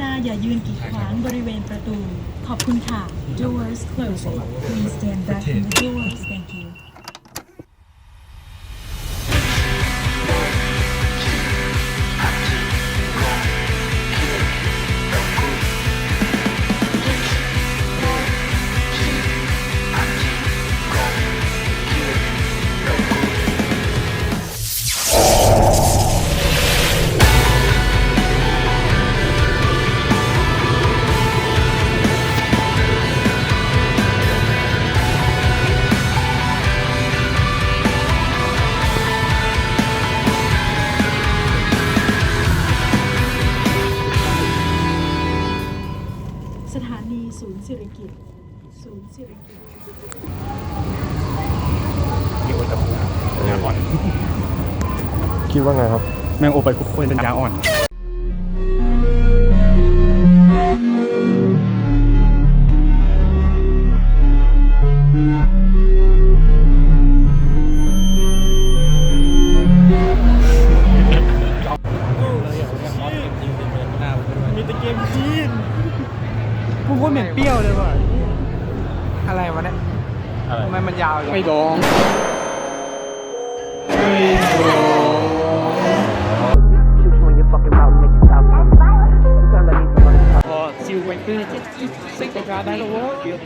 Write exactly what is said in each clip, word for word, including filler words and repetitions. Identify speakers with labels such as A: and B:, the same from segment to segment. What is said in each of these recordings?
A: ณาอย่ายืนกีดขวางบริเวณประตูขอบคุณค่ะ Doors closing Please stand back from the doors Thank youสถานีศูนย์สิริกิติ์ศูนย์สิริกิติ์
B: อยู่กับปัญญาอ่อน
C: คิดว่าไงครับ
B: แมงโอไปคุกคนปัญญาอ่อนมีแต่เกมจีนกูพูดเหม็นเปรี้ยวเลยว่ะ
D: อะไรวะเนี่ยทำไมมันยาวอย่าง
B: ไม่ดองพอซิลไปคือซิกประกาศได้แล้ววะ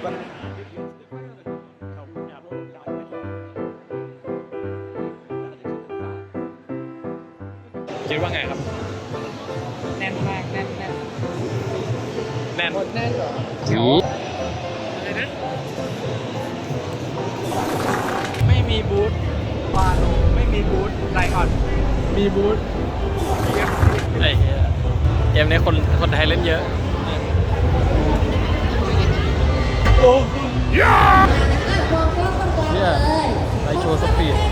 B: คิดว่าไงครับแน่นมากแน่นแน่นแน่นแน่นเหรออะไรนะไม่มีบูธวาโลไม่มีบูธไลออนมีบูธไอ้เหี้ยเกมนี้คนคนไทยเล่นเยอะโอ้ยเนี่ยไลโชว์สปีด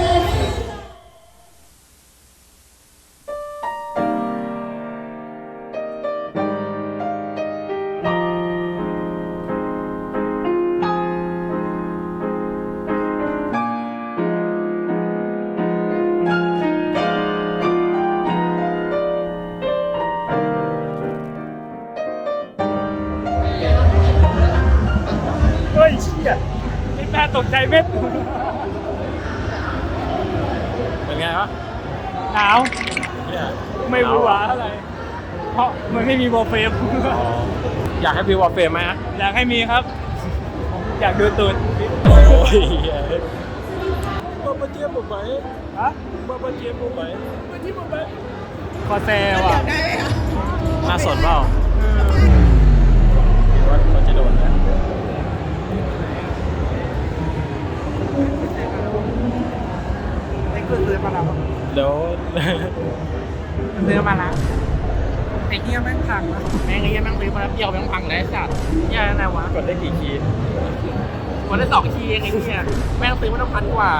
B: เฮ้ยเชี่ยนี่แม่ตกใจเม็ดเป็นไงวะหนาวไม่รู้ว่าอะไรเพราะมันไม่มีวอลเฟรมอยากให้มีวอลเฟรมไหมฮะอยากให้มีครับอยากดูตูดโอ้ยบ้าบ้าเจี๊ยบผมไหมฮะบ้าบ้าเจี๊ยบผมไหมบ้าเจี๊ยบผมไหมคอแซวอ่ะน่าสนเปล่าคิดว่าเขาจะโดนไหม
D: ไอ้เกิดซื้อมาแล้ว
B: เดี๋ยว
D: ซื้อมาแล้วไอ้เหี้ยแม่งพังวะแม่งไอ้เหี้ยแม่งซื้อมาแล้วเดี่ยวแม่งพังเลยสัตว์เหี้ยอะไรวะ
B: กดได้กี่คีย์
D: กดได้สองคีย์เองไอ้เหี้ยแม่งซื้อมาต้องพันกว่า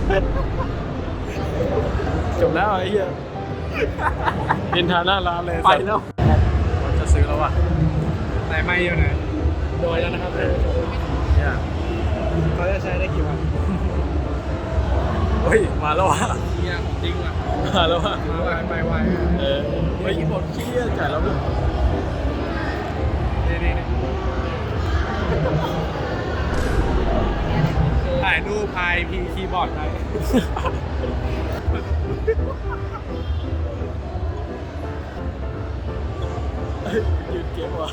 B: จบแล้วไอ้เหี้ยดินทาหน้าร้านเลย
D: ไปแล้ว
B: เราจะซื้อแล้วว่ะ
D: ไหนไม่อยู่ไหนโดยแล้วนะครับ
B: เนี่ย
D: เขาจะใช้ได้กี่วัน
B: เฮ้ยมาแล้วว่ะ
D: เหี้ยจริงว่ะ
B: มาแล้วว่ะ
D: มาไวไปไว
B: เออเฮ้ยหมดเชี่ยจ่ายแล้วมั้ย
D: นี่นี่ถ่ายรูปพายพีคีย์บอร์ดไป
B: หยุดเกมว่ะ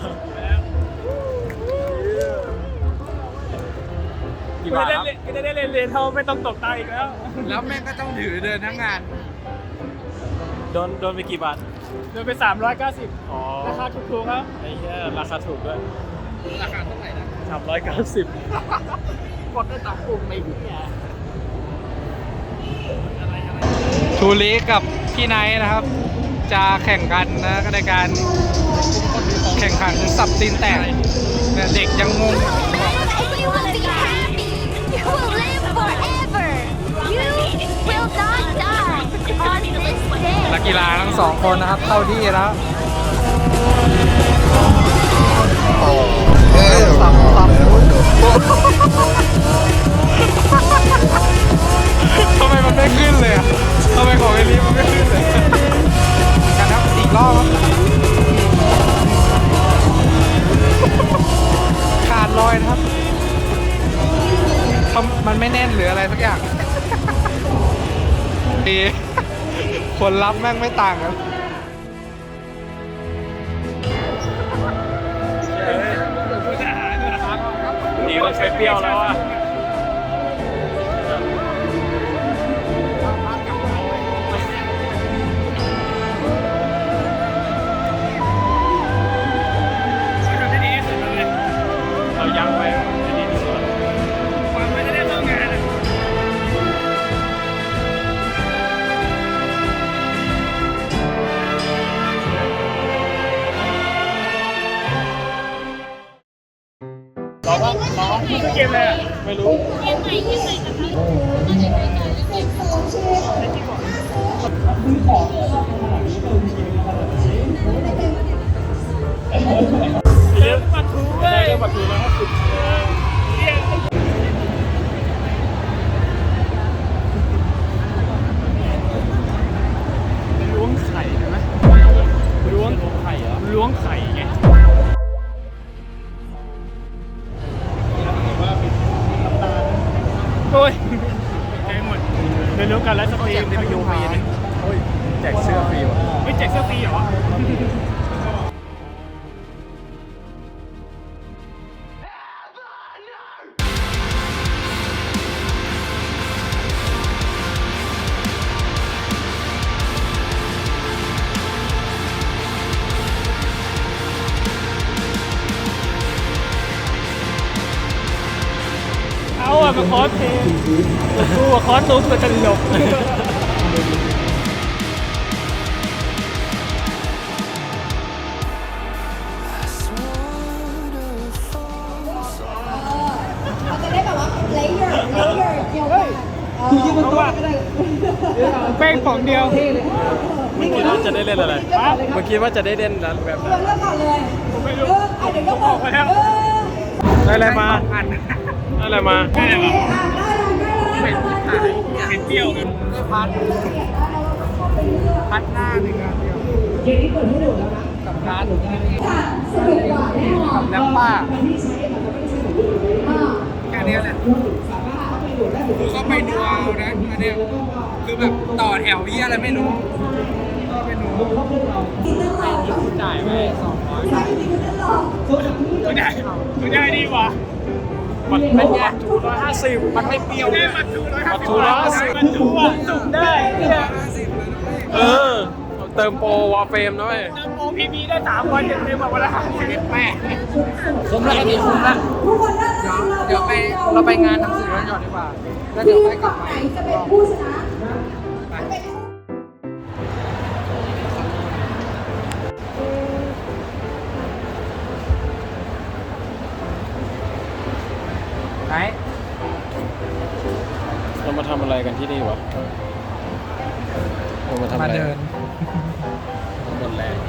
D: กี่
B: ไม่
D: บาท
B: ได้
D: ครับ
B: เล่นไม่ได้เล่นเลนเท่าไม่ต้องตกตาอีกแล้ว
D: แล้วแม่งก็ต้องถือเดินทั้งงาน
B: โดนโดนไปกี่บาท
D: โดนไปสามร้อยเก้าสิบ
B: อ๋อ
D: ราคาถูกๆครับ
B: ไอ้เหี้ยราคาถูกด้วย
D: ราคาเท่าไหร่นะ
B: สามร้อยเก้าสิบ
D: กดได้ตามปุ่มไปเนี่ยทูริกับพี่ไนท์นะครับ จะแข่งกันนะในการแข่งขันสับตีนแตกเนี่ยเด็กยังงง
E: If you want to be happy, you will live forever. You will not die on this day.
D: นักกีฬาทั้งสองคนนะครับ เข้าที่แล้วสับสับทำไมมันไม่ขึ้นเลยอ่ะทำไมของไอ้นี้มันไม่ขึ้นเลยกันครับอีกรอบครับดีคนรับแม่งไม่ต่างกัน
B: ดีเราใช้เปรี้ยวแล้วอ่ะเรายังไว้จะดีที่สุดความไม่ได้เริ่มงานอ่ะเราก็เราก็ไม่ใช่เกมเลยอ่ะไม่รู้เกมใหม่เกมใหม่เรื่องปัทูเว้ยเรื่องปัทูแล้วก็สุดล้วงไข่ใช่ไหมล้วงไข่เหรอล้วงไข่ไงโอ้ยใจหมดเรียนรู้การไลฟ์สตรีมในประโยชน์ฟรีนะโอ้ยแจกเสื้อฟรีวะไม่แจกเสื้อฟรีเหรอเอาอะมาคอสเพลย์กูอะคอสตุ๊กตัวจะหลบแป้งของเดียวเมื่อกี้ว่าจะได้เล่นอะไรเมื่อกี้ว่าจะได้เล่นนั้นแบบนั้นผมไม่รู้ผมออกไปแล้วได้อะไรมาได้อะไรมาได้อะไรมาเป็นเป็นเปรี้ยวกันพัดพัดหน้าหนึ่งอันเดียวเกมนี้เปิดให้ดูแล้วนะกับร้านกับน้ำป้าแค่นี้แหละก็ไปดูเอานะอันเนี้ยคือแบบต่อแถวยี่อะไรไม่รู้ก็ไปดูจ่ายไปสองร้อยตัวใหญ่ตัวใหญ่ดีกว่ามันเป็นไงถูร้อยห้าสิบมันไม่เปรี้ยวเนี่ยมันถูร้อยห้าสิบร้อยห้าสิบมันถูอ่ะจุ่มได้เนี่ยเออเติมโปรวอลเฟรมด้วยเติมโปรพีพีได้สามวันเต็มเต็มแบบวันละห้าสิบแปดคุ้มแล้วนี่คุ้มแล้วเดี๋ยวไปเราไปงานหนังสือแล้วหยอดดีกว่าแล้วเดี๋ยวไปกลับมาจะเป็นผู้ชนะไหนเรามาทำอะไรกันที่นี่วะเรามาทำอะไรมาเดินหมดแรง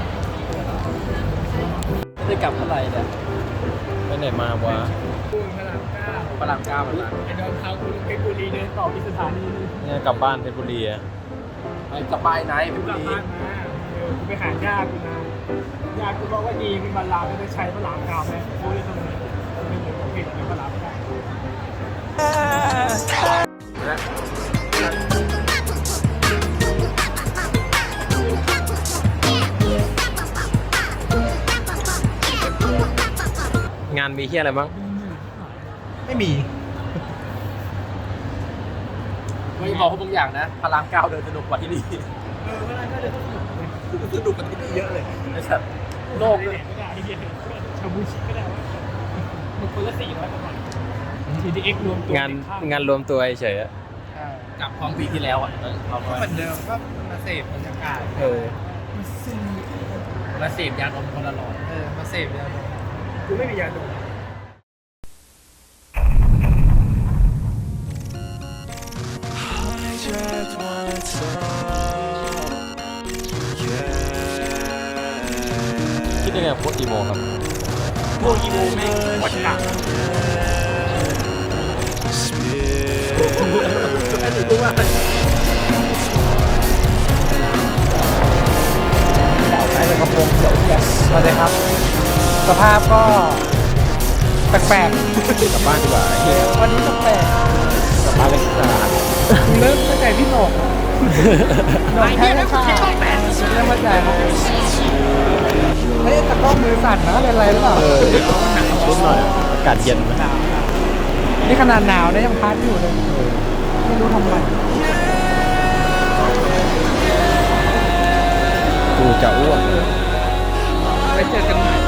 B: ได้กลับเมื่อไหร่เนี่ยไปไหนมาวะพระรามเก้าพระรามเก้าแบบนั้นไอ้เดินทางคุณเพชรบุรีเดินต่อที่สถานีเนี่ยกลับบ้านเพชรบุรีอะไปกลับบ้านไหนเพชรบุรีกลับบ้านมาเออไปหาญาติกูนะญาติกูบอกว่าดีมีบรรลาไม่ได้ใช้พระรามเก้าไหมกูเลยตรงนี้ไม่เหมือนกับเพชรในพระรามเก้างานมีเฮียอะไรบ้างไม่มีไม่บอกเขาบางอย่างนะพระรามเก้าเดินสนุกกว่าที่นี่เออพระรามเก้าเดินสนุกกว่าที่นี่เยอะเลยไอ้สัตว์โลกเลยชาบูชิก็ได้ว่ามันคนละสี่ร้อยกว่าบาท ที ดี เอ็กซ์ รวมตัวงานงานรวมตัวเฉยๆอะกลับของปีที่แล้วอ่ะเราก็เหมือนเดิมก็มาเสพบรรยากาศเออมาเสพยาดมคนละหลอดเออมาเสพยาดมกูไม่มียาดมคิดยังไงพวกอีโมครับพวกอีโมแม่งวัดกะสวัสดีครับสภาพก็แปลกๆกลับบ้านดีกว่าวันนี้แปลกๆกลับบ้านเลย
D: เริ่มเข้าใจพี่หนกหนกแค่ไม่ค่ะเริ่มเข้าใจครับเฮ้ยตะกล้องมือสั่นนะเป็นไรหรือเปล่า
C: เออชุดหน่อยอากาศเย็นนะ
D: นี่ขนาดหนาวนะยังพัดอยู่เลยไม่รู้ทำไม
C: กูจะอ้วก
D: ไปเจอกันใหม่